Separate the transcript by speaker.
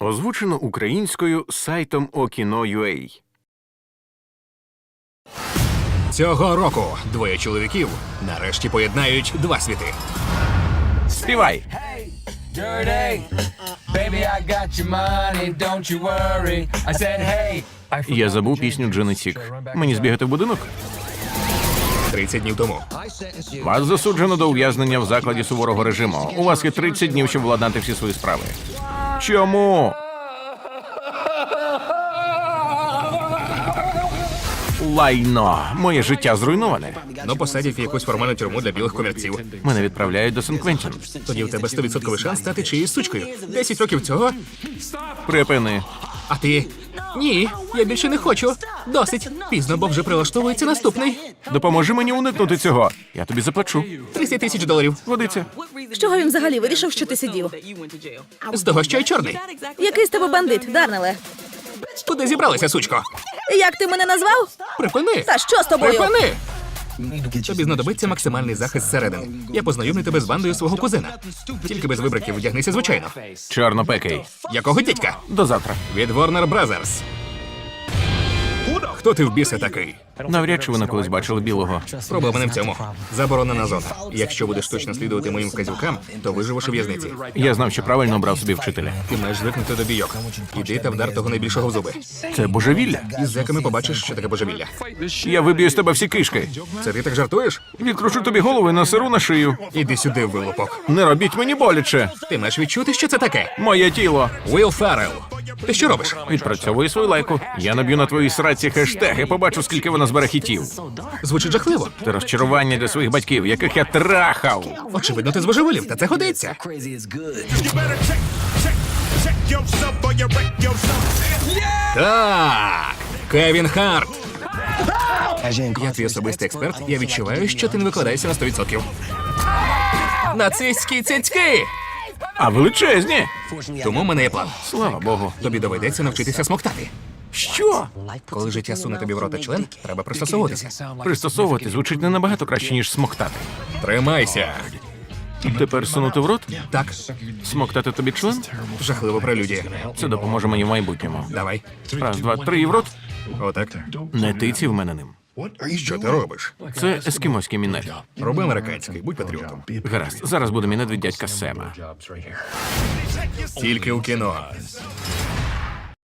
Speaker 1: Озвучено українською сайтом Okino.ua.
Speaker 2: Цього року двоє чоловіків нарешті поєднають два світи.
Speaker 1: Співай!
Speaker 3: Dirty, baby, I got your money, don't you worry. I said, hey.
Speaker 1: Я забув пісню Джини Сік. Мені збігати в будинок?
Speaker 2: 30 днів тому.
Speaker 1: Вас засуджено до ув'язнення в закладі суворого режиму. У вас є 30 днів, щоб владнати всі свої справи. Чому? Лайно. Моє життя зруйноване.
Speaker 2: Ну, посадять в якусь формальну тюрму для білих комірців.
Speaker 1: Мене відправляють до Сен-Квентін.
Speaker 2: Тоді в тебе 100% шанс стати чиєюсь сучкою. 10 років цього,
Speaker 1: Припини.
Speaker 2: а ти... Ні, я більше не хочу. Досить. Пізно, бо вже прилаштовується наступний.
Speaker 1: Допоможи мені уникнути цього. Я тобі заплачу.
Speaker 2: $30 000.
Speaker 1: Годиться.
Speaker 4: З чого він взагалі вирішив, що ти сидів?
Speaker 2: З того, що й чорний.
Speaker 4: Який з тебе бандит, Дарнеле?
Speaker 2: Куди зібралися, сучко?
Speaker 4: Як ти мене назвав?
Speaker 2: Припини!
Speaker 4: Та що з тобою?
Speaker 2: Припини! Тобі знадобиться максимальний захист зсередини. Я познайомлю тебе з бандою свого кузена. Тільки без вибриків вдягнися звичайно.
Speaker 1: Чорнопекий.
Speaker 2: Якого дідька?
Speaker 1: До завтра.
Speaker 2: Від Warner Brothers. Хто ти в біса такий?
Speaker 1: Навряд чи ви колись бачили білого.
Speaker 2: Проблема не в цьому. Заборонена зона. Якщо будеш точно слідувати моїм вказівкам, то виживеш у в'язниці.
Speaker 1: Я знав, що правильно обрав собі вчителя.
Speaker 2: Ти маєш звикнути до бійок. Іди та вдар того найбільшого в зуби.
Speaker 1: Це божевілля.
Speaker 2: Із зеками побачиш, що таке божевілля.
Speaker 1: Я виб'ю з тебе всі кишки.
Speaker 2: Це ти так жартуєш?
Speaker 1: Відкручу тобі голову і насеру на шию.
Speaker 2: Іди сюди, вилупок.
Speaker 1: Не робіть мені боляче.
Speaker 2: Ти маєш відчути, що це таке.
Speaker 1: Моє тіло.
Speaker 2: Уилл Феррелл. Ти що робиш?
Speaker 1: Відпрацьовую свою лайку. Я наб'ю на твоїй сраці хештег і побачу, скільки вона збере хітів.
Speaker 2: Звучить жахливо.
Speaker 1: Це розчарування для своїх батьків, яких я трахав.
Speaker 2: Очевидно, ти збожеволів, та це годиться. Так, Кевін Харт. Я твій особистий експерт, я відчуваю, що ти не викладаєшся на 100%. Нацистські цицьки!
Speaker 1: А величезні.
Speaker 2: Тому в мене є план.
Speaker 1: Слава Богу.
Speaker 2: Тобі доведеться навчитися смоктати.
Speaker 1: Що?
Speaker 2: Коли життя суне тобі в рота член, треба пристосовуватися.
Speaker 1: Пристосовувати звучить не набагато краще, ніж смоктати.
Speaker 2: Тримайся.
Speaker 1: Тепер сунути в рот?
Speaker 2: Так,
Speaker 1: Смоктати тобі член?
Speaker 2: жахливо прелюдія.
Speaker 1: Це допоможе мені в майбутньому.
Speaker 2: Давай.
Speaker 1: Раз, два, три і в рот.
Speaker 2: Отак.
Speaker 1: Не тиці в мене ним.
Speaker 2: Що ти робиш?
Speaker 1: Це ескімоський мінет.
Speaker 2: Роби американський, будь патріотом.
Speaker 1: Гаразд, зараз буде мінет від дядька Сема.
Speaker 2: Тільки у кіно.